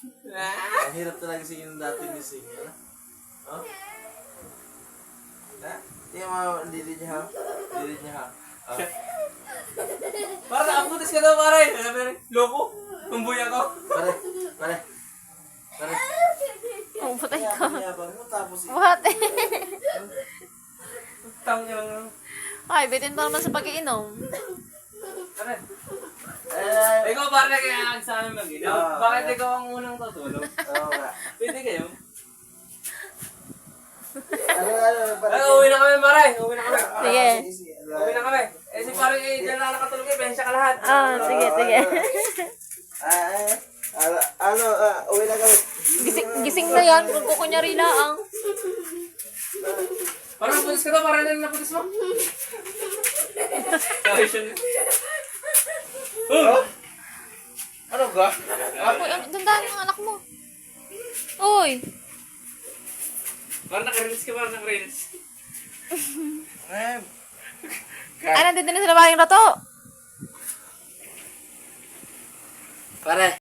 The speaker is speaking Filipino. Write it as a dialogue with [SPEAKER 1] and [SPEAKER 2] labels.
[SPEAKER 1] Ang hirap talaga singin dati ni Sing. Oh? Tingnan mo, hindi niya ha. Hindi niya ha. Oh.
[SPEAKER 2] Para nakaputis ka daw, pare. Sabi rin, loko. Tumboy ako.
[SPEAKER 1] Pare.
[SPEAKER 3] Oh, patay ka.
[SPEAKER 1] Yabang mo tapos
[SPEAKER 3] What?
[SPEAKER 2] Tang yung...
[SPEAKER 3] Ay, bitin pa naman sa pag-iinom.
[SPEAKER 2] Pare. Ikaw pare kaya sa amin mag-inom. Bakit ikaw ang unang tutulog?
[SPEAKER 1] Oo nga.
[SPEAKER 2] Pwede kayo.
[SPEAKER 1] Pare.
[SPEAKER 2] Ay, uwi na kami, pare. Uwi na kami.
[SPEAKER 3] Sige.
[SPEAKER 2] Uwi na kami. Eh, si pare, dyan na nakatulog eh. Bensya ka lahat.
[SPEAKER 3] Ah, sige.
[SPEAKER 1] Uwi na kami.
[SPEAKER 3] Gising na yan. Kung kukunyari lang.
[SPEAKER 2] Parang naputis ka daw, parang na naputis mo. Sorry siya.
[SPEAKER 1] Ano ba?
[SPEAKER 3] Uy, dandahan ang anak mo. Uy.
[SPEAKER 2] Parang naka-reels ka, parang naka-reels.
[SPEAKER 3] Ay, nandito na sila maring rato.
[SPEAKER 1] Pare.